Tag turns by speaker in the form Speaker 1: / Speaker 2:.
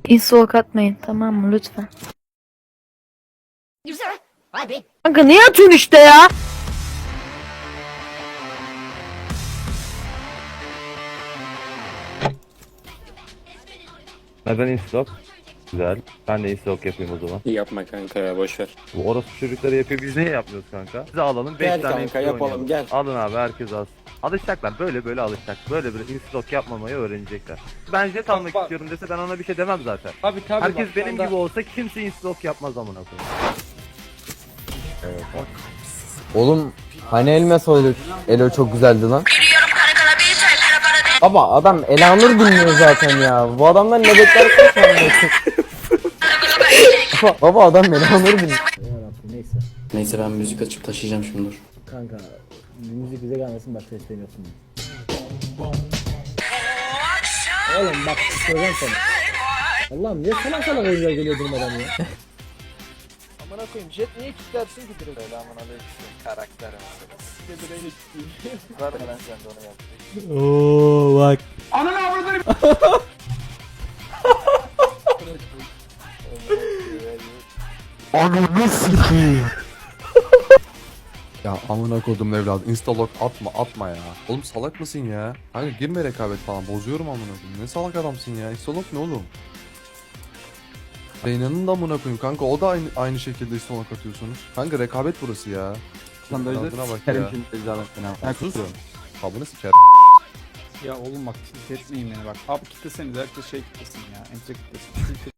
Speaker 1: İnstalk atmayın tamam mı lütfen. Kanka niye atıyorsun işte ya?
Speaker 2: Neden instalk? Güzel. Ben de instalk yapayım o zaman.
Speaker 3: Yapma kanka ya, boşver.
Speaker 2: Bu orospu çocukları yapıyor, biz niye yapmıyoruz kanka? Biz alalım 5
Speaker 3: Gel
Speaker 2: tane
Speaker 3: kanka,
Speaker 2: instalk
Speaker 3: yapalım,
Speaker 2: oynayalım.
Speaker 3: gel.
Speaker 2: Alın abi, herkes alsın. Alışacaklar, böyle alışacak. Böyle instalk yapmamayı öğrenecekler. Ben jet almak
Speaker 4: bak.
Speaker 2: istiyorum dese ben ona bir şey demem zaten.
Speaker 4: Tabii
Speaker 2: Herkes
Speaker 4: bak,
Speaker 2: benim
Speaker 4: şu anda-
Speaker 2: gibi olsa kimse instalk yapmaz amına koyayım.
Speaker 5: Oğlum hani elime soyduk. Elo çok güzeldi lan. Baba adam Elanur dinliyor zaten ya. Bu adamdan ne beklersin sen? Baba adam Elanur dinliyor.
Speaker 6: Neyse.
Speaker 3: Neyse, ben müzik açıp taşıyacağım şimdi, dur.
Speaker 6: Kanka müzik bize gelmesin başka istemiyorsun. Oğlum bak söyleyeceğim sana. Allah'ım niye salak salak oyuncular geliyor durmadan ya.
Speaker 4: Amına koyayım, jet niye kilitlersin ki direkt? Selamun aleyküm. Karakter mesela. Bir de direğiyle kilitleyeyim. Var mı lan sen de onu yap.
Speaker 5: Oo bak.
Speaker 7: Ya amına kodum evladı, instalok atma ya. Oğlum salak mısın ya? Kanka girme rekabet falan, bozuyorum amına koyayım. Ne salak adamsın ya? Instalok ne oğlum? Reyna'nın da amına koyayım kanka, o da aynı şekilde instalok atıyorsunuz. Kanka rekabet burası ya. Adına bak ya. Ya sus. Kabını siker.
Speaker 8: Ya oğlum bak tilt etmeyin beni bak. Abi kitleseniz herkes şey kitlesin ya. Enter kitlesin.